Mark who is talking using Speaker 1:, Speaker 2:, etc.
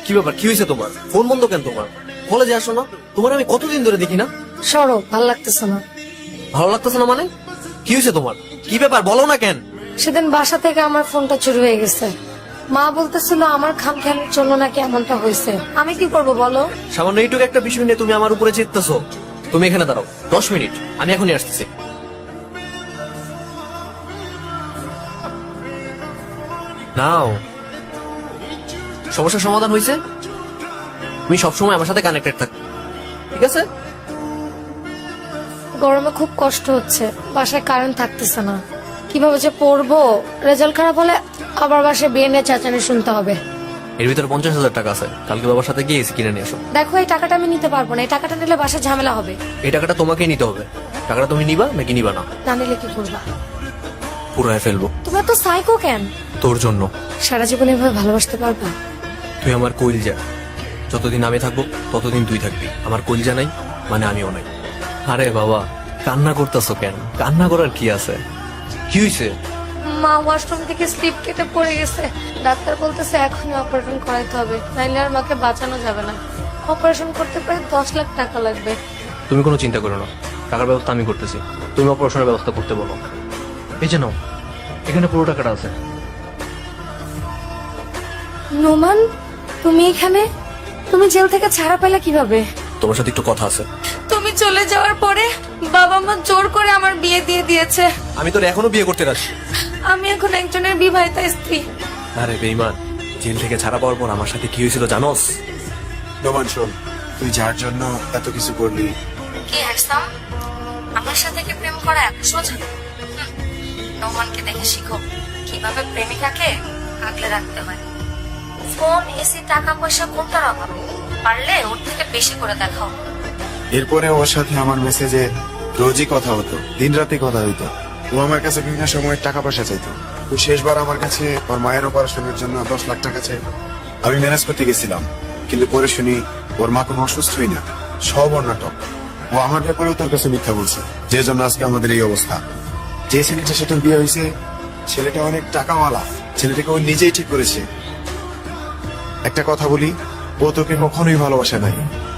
Speaker 1: কি ব্যাপার, কি হয়েছে তোমার? ফোন বন্ধ কেন তোমার? কলেজে আসো না? তোমার আমি কতদিন ধরে দেখি না।
Speaker 2: সরো, ভাল লাগতেছে না।
Speaker 1: ভালো লাগতেছে না মানে? কি হয়েছে তোমার? কি ব্যাপার বলো না কেন?
Speaker 2: সেদিন বাসা থেকে আমার ফোনটা চুরি হয়ে গেছে। মা বলতেছিল আমার খামখেয়ালির জন্য নাকি এমনটা হয়েছে। আমি কি করব বলো?
Speaker 1: সামান্য এইটুকু একটা বিষয় নিয়ে তুমি আমার উপরে চিত্তেছো। তুমি এখানে দাঁড়াও 10 মিনিট, আমি এখনই আসতেছি। নাও, সমস্যার সমাধান হয়েছে। তুমি সবসময় আমার সাথে কানেক্টেড থাকো, ঠিক আছে?
Speaker 2: গরমে খুব কষ্ট হচ্ছে, বাসায় কারেন্ট থাকতেছে না। কিভাবে যে পড়বো? রেজাল্ট খারাপ হলে আবার বাসায় বিয়ে নিয়ে চেঁচানি শুনতে হবে।
Speaker 1: এর ভিতরে 50,000 টাকা আছে, কালকে বাবার সাথে গিয়ে এসি কিনে নিয়ে আসো।
Speaker 2: দেখো, এই টাকাটা আমি নিতে পারবো না। এই টাকাটা নিলে বাসায় ঝামেলা হবে।
Speaker 1: এই টাকাটা তোমাকেই নিতে হবে। টাকাটা তুমি নিবা নাকি নিবা না?
Speaker 2: না নিলে কি করবা?
Speaker 1: পুরায় ফেলবো
Speaker 2: তুমি এত সাইকো কেন?
Speaker 1: তোর জন্য।
Speaker 2: সারা জীবন এভাবে ভালোবাসতে পারবা?
Speaker 1: তুই আমার কইলজা। যতদিন আমি থাকবো ততদিন তুই থাকবি। আমার কইলজা নাই মানে আমিও নাই। আরে বাবা, কান্না করতেছো কেন? কান্না করার কি আছে? কি হয়েছে?
Speaker 2: মা ওয়াশরুম থেকে স্লিপ কেটে পড়ে গেছে। ডাক্তার বলতেছে এখনই অপারেশন করাইতে হবে, নাইলে আর মাকে বাঁচানো যাবে না। অপারেশন করতে প্রায় 10 লাখ টাকা লাগবে।
Speaker 1: তুমি কোনো চিন্তা করো না, টাকার ব্যবস্থা আমি করতেছি। তুমি অপারেশনের ব্যবস্থা করতে বলো। এই যে নাও, এখানে পুরো টাকাটা আছে।
Speaker 2: নোমান, তুমি এখানে? তুমি জেল থেকে ছাড়া পেলে কিভাবে?
Speaker 1: তোমার সাথে একটু কথা আছে।
Speaker 2: তুমি চলে যাওয়ার পরে বাবা মা জোর করে আমার বিয়ে দিয়ে দিয়েছে।
Speaker 1: আমি তোর এখনো বিয়ে করতে রাজি।
Speaker 2: আমি এখন একজনের বিবাহিতা স্ত্রী।
Speaker 1: আরে বেঈমান, জেল থেকে ছাড়া পাওয়ার পর আমার সাথে কি হয়েছিল জানোস?
Speaker 3: নোমান শোন, তুই যার জন্য এত কিছু করলি,
Speaker 2: কি হ্যান্ডসাম, আমার সাথে কি প্রেম করা এত সোজা? নোমানকে দেখে শিখো কিভাবে প্রেমিকাকে আগলে রাখতে হয়। ফোন, এসি, টাকা পয়সা কোনটার অভাব? পারলে ওর থেকে বেশি করে দেখাও।
Speaker 3: এরপরে ওর সাথে আমার মেসেজে রোজই কথা হতো, দিন রাতে কথা হইতো। ও আমার কাছে বিভিন্ন সময় টাকা পয়সা চাইতো। তো শেষবার আমার কাছে ওর মায়ের অপারেশনের জন্য 10 লাখ টাকা চাই। আমি ম্যানেজ করতে গেছিলাম, কিন্তু পরে শুনি ওর মা কোনো অসুস্থই না, সব ওর নাটক। ও আমার ব্যাপারেও তোর কাছে মিথ্যা বলছে, যে জন্য আজকে আমাদের এই অবস্থা। যে ছেলেটার সাথে বিয়ে হয়েছে, ছেলেটা অনেক টাকাওয়ালা। ছেলেটাকে ও নিজেই ঠিক করেছে। একটা কথা বলি, ও তোকে কখনোই ভালোবাসে নাই।